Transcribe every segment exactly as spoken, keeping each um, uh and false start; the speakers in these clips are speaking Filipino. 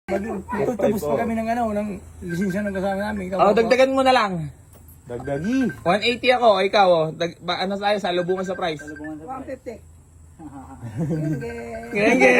Magtutubos pa kami ng ano, ng lisensya ng kasama namin. Oh, dagdagan mo na lang. Dagdagi. one eighty ako, o ikaw oh. Dag ba, ano tayo sa lubungan sa price? one fifty. Genge.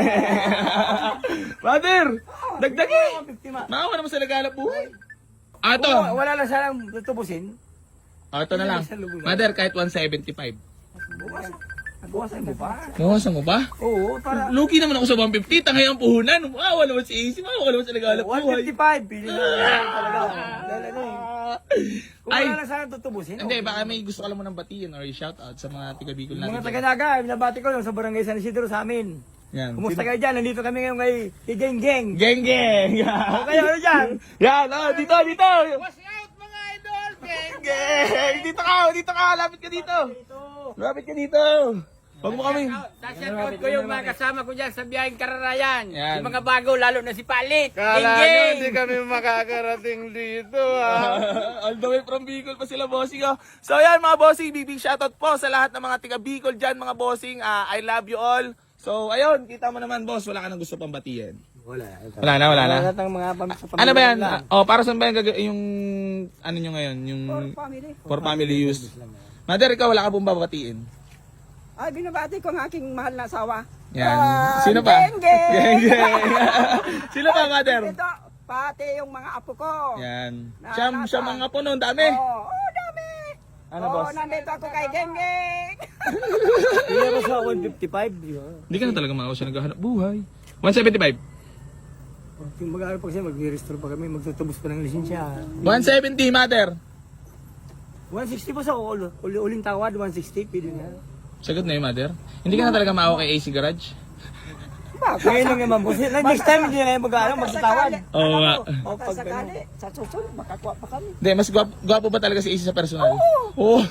Brother, dagdagi. one fifty ma. Maawa naman sa naghanap buhay. Ah, ito. Wala, wala lang siya lang tutubusin. Ah, ito na lang. Mother, kahit one seventy-five. Bukas. Bukasan mo pa. Bawasan mo ba? Oo, para. Lugi naman ako sa one fifty. Tangay ang puhunan. Maawa naman si A C. Maawa naman sa naghanap one buhay. fifty-five. Pili na lang talaga. Dahil ano eh. Kung Ay, wala lang sana tutubusin. hindi, okay. baka may gusto ka lang mo ng batiin or shoutout sa mga tiga-Bicol natin. Mga taga-naga, binabati ko lang sa barangay San Isidro sa amin. Yan. Kumusta kayo dyan? Nandito kami ngayon kay, kay Geng Geng. Geng geng! O kayo, ano dyan? Yan, oh, dito, dito! Watch out mga idol! Geng geng! Dito ka, dito ka! Lapit ka dito! Lapit ka dito! Huwag mo kami! Shout ko yung mga kasama ko dyan sa biyaheng Kararayan. Yan. Yung mga bago, lalo na si Palit. Kala nyo Geng-geng! hindi kami makakarating dito ah. All the way from Bicol pa sila, bossing. Oh. So yan mga bossing, big big shoutout po sa lahat ng mga tiga Bicol dyan, mga bossing. Ah, I love you all. So ayun, kita mo naman boss, wala ka nang gusto pang batiin. Wala. Wala na, wala na. Lahat ng mga pam sa pamilya Ano ba yan? lang. Oh, para saan ba yung, gag- yung ano nyo ngayon? Yung Family. for family use. Mother, ikaw wala ka pong babatiin. Ay, binabati ko ang aking mahal na asawa. Yan. Ah, Sino pa? Geng Geng! Geng geng. Sino pa, mother? Ito, pati yung mga apo ko. Yan. Na- Siya, nasa- siya mga puno, dami. Oo, oh, dami. Ano, Oo, boss? nandito ako kay Geng Geng. Pili mo sa one fifty-five. di ba? Hindi ka na talaga mga siya naghahanap buhay. one seventy-five. Yung mag-aaral pa kasi, mag-restore pa kami, magtutubos pa ng lisensya. one seventy, mother. one sixty po sa uli, uli, uling tawad, one sixty, pili na. Sagot na yung mother. Hindi ka na talaga maawa kay A C Garage? Ngayon lang naman po. Next time, hindi na yung mag-aaral, magtatawad. Oo nga. O, pag Sakali, sa susunod, makakuha pa kami. Hindi, mas gwapo, gwapo ba talaga si A C sa personal? Oo. Oh.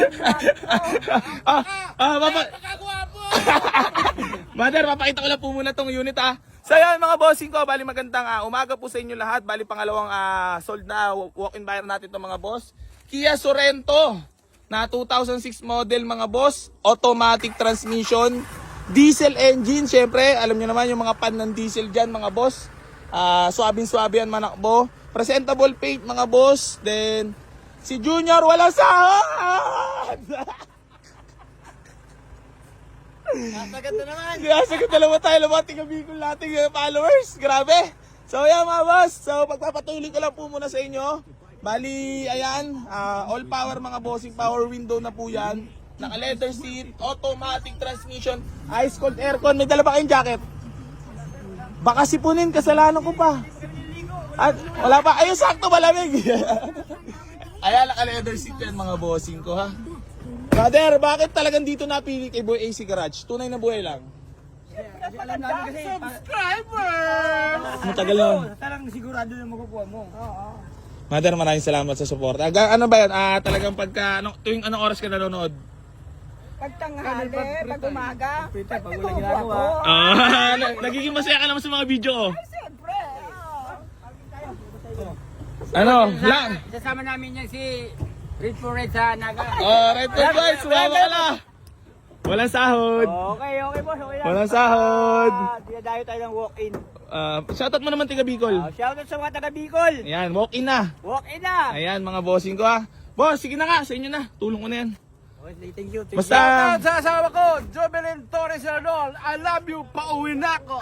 ah, ah, papa... Mother, papakita ko lang po muna tong unit ah. So yan mga bossing ko, bali magandang ah, umaga po sa inyo lahat. Bali pangalawang ah, sold na walk-in buyer natin itong mga boss. Kia Sorento na two thousand six model mga boss. Automatic transmission. Diesel engine, syempre. Alam nyo naman yung mga pan ng diesel dyan mga boss. Ah, suabing-suabe yan manakbo. Presentable paint mga boss. Then, si Junior wala sahod! Nasagat na naman. Kaya sagot na naman tayo ng mga tiga-Bicol nating uh, followers. Grabe. So yan mga boss. So pagpapatuloy ko lang po muna sa inyo. Bali, ayan. Uh, all power mga bossing. Power window na po yan. Naka leather seat. Automatic transmission. Ice cold aircon. May dala ba kayong jacket? Baka sipunin. Kasalanan ko pa. At wala pa. Ayun, sakto malamig. Ayan, naka leather seat yan mga bossing ko ha. Brother, bakit talagang dito napili kay Boy A C Garage? Tunay na buhay lang. Alam namin kasi, Matagal na. talagang sigurado na makukuha mo. Mother, maraming salamat sa support. Aga, ano ba yan? Ah, talagang pagka, ano, tuwing anong oras ka nanonood? Pagtanghali, pag umaga, Pwede, pag walang tubo ginagawa. ako. Ah, nagiging masaya ka naman sa mga video ko. Siyempre. Ano? Lang. Sasama namin yan si Red for Red sa Naga. Oh, right there guys, sumama ka na. Walang sahod. Okay, okay boss, okay lang. Walang sahod. Ah, dinadayo tayo ng walk-in. Ah, shoutout mo naman tiga Bicol. Ah, shoutout sa mga taga Bicol. Ayan, walk in na. Walk-in na. Ayan, mga bossing ko ah. Boss, sige na nga, sa inyo na. Tulong ko na yan. Okay, thank you. Thank Basta... Sa asawa ko, Jobelin Torres Arnold, I love you, pauwi na ako.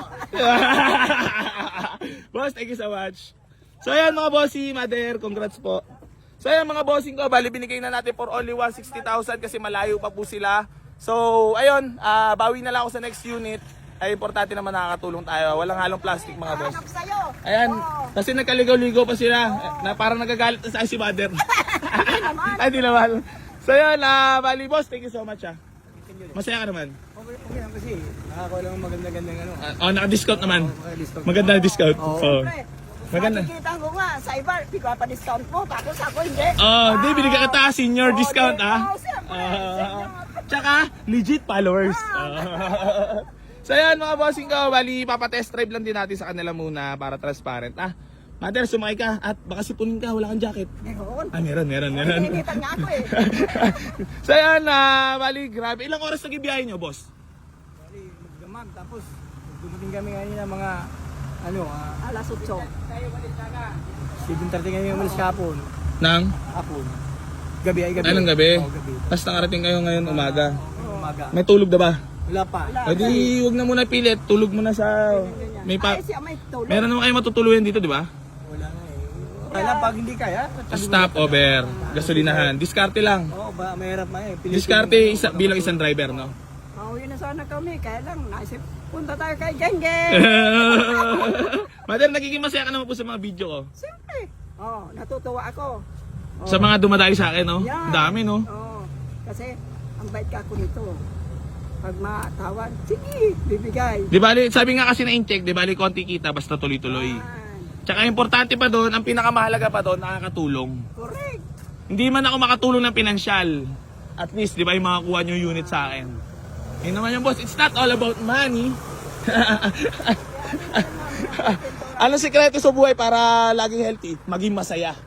Boss, thank you so much. So ayan mga bossy, mother, congrats po. So ayan mga bossing ko, bali binigay na natin for only one hundred sixty thousand kasi malayo pa po sila. So ayun, ah, bawi na lang ako sa next unit. Ay importante naman nakakatulong tayo. Walang halong plastic mga boss. Hanap sa'yo. Ayan, kasi nagkaligaw-ligaw pa sila. Na parang nagagalit na sa akin si mother. Ay, di naman. So yun, ah, bali boss, thank you so much ah. Masaya ka naman. Okay, okay lang kasi nakakakuha lang ng maganda-gandang ano. Ah, oh, naka-discount naman. Okay, discount. Maganda ang discount. Oo. Oh. Maganda. Nakikita ko nga, sa iba, di ko pa discount mo, tapos ako hindi. Oh, di binigyan ka ta senior Oo, discount di- ah. oo, siyempre, Ah. senior. Tsaka legit followers. Ah. So yan mga bossing ko, bali papatest drive lang din natin sa kanila muna para transparent. Ah, mother, sumakay ka at baka sipunin ka, wala kang jacket. Meron. Ah, meron, meron, meron. Pininitan niya ako eh. So yan, ah, bali grabe. Ilang oras nag-ibiyahe nyo, boss? Bali, magdamag, tapos dumating kami kanina mga Ano, ah, Alas otso. seven thirty ngayon umalis kahapon. Nang? Hapon. Gabi ay gabi. Anong gabi? Oo, gabi. Tapos nakarating kayo ngayon umaga. Umaga. May tulog na ba? Wala pa. O di, huwag na muna pilit. Tulog mo na sa... May pa... Ay, siya may tulog. Meron naman kayo matutuluyan dito, di ba? Wala na eh. Kaya pag hindi kaya, Stop over. Gasolinahan. Diskarte lang. Oo, ba, mahirap na eh. Pilitin Diskarte mo- isa, bilang isang driver, no? Oh, yun na sana kami. Kaya lang, naisip, punta tayo kay Genge. Mother, nagiging masaya ka naman po sa mga video ko. Siyempre. Oh, natutuwa ako. Oh, Sa mga dumadayo sa akin, no? yan. Ang dami, no? Oh, kasi, ang bait ka ako nito. Pag matawad, sige, bibigay. Di bali, sabi nga kasi na in-check, di bali konti kita, basta tuloy-tuloy. Yan. Tsaka importante pa doon, ang pinakamahalaga pa doon, nakakatulong. Correct. Hindi man ako makatulong ng pinansyal. At least, di ba, yung makakuha nyo yung unit sa akin. Yun naman yung boss, it's not all about money. Anong sikreto sa buhay para laging healthy? Maging masaya.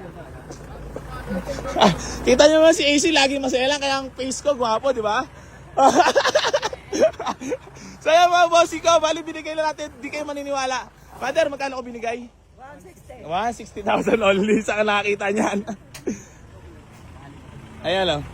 Ah, kita nyo naman si A C, laging masaya lang, kaya ang face ko, gwapo, di ba? So yan mga bossy ko, bali binigay na natin, di kayo maniniwala. Father, magkano ko binigay? one sixty. one hundred sixty thousand only, saan ka nakakita niyan? Ayan o.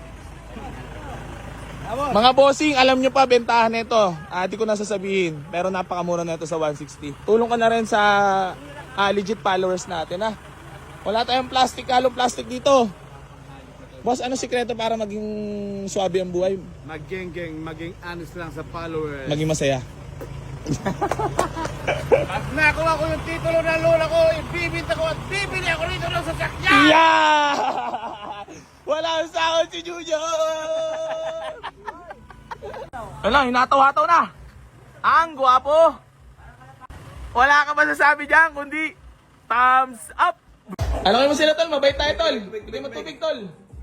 Mga bossing, alam nyo pa, bentahan nito. Ah, di ko na sasabihin, pero napakamura na ito sa one sixty. Tulong ka na rin sa ah, legit followers natin, ha? Wala tayong plastic, halong plastic dito. Boss, ano sikreto para maging swabe ang buhay? Maging-geng, maging honest lang sa followers. Maging masaya. Pag nakuha ko yung titulo ng lola ko, ibibinta ko at bibili ako rito ng sasakyan! Yeah! Wala ang sahod si Junior! Ano, hinatawa-taw na. Ang gwapo. Wala ka masasabi dyan, kundi thumbs up. Ano kayo mo sila, tol? Mabait tayo, tol. Bigay mo tubig, tol.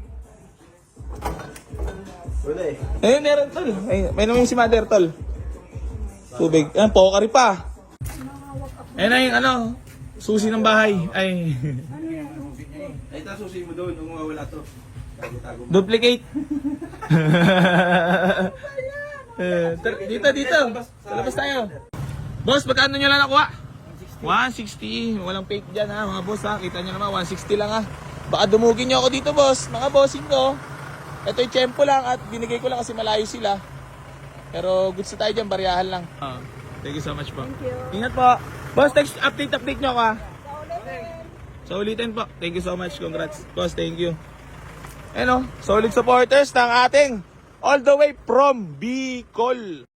Wala eh. Ayun, meron, tol. Ay, may naman yung si mother, tol. Tubig. Ayan, pokari pa. Ayun na yung ano, susi ng bahay. Ay. Ay, ito susi mo doon, nung mawala to. Duplicate. Eh, tar- dito, dito. Sa labas tayo. Boss, magkano nyo lang nakuha? one sixty. Walang fake dyan, ha, mga boss, ha. Kita nyo naman, one sixty lang, ha. Baka dumugin nyo ako dito, boss. Mga bossing ko. Ito yung tiyempo lang at binigay ko lang kasi malayo sila. Pero goods na tayo dyan, bariyahan lang. Ah, thank you so much po. Thank you. Ingat po. Boss, text update, update nyo ako, ha. So ulitin po. Thank you so much. Congrats. Boss, thank you. Ano, solid supporters ng ating all the way from Bicol.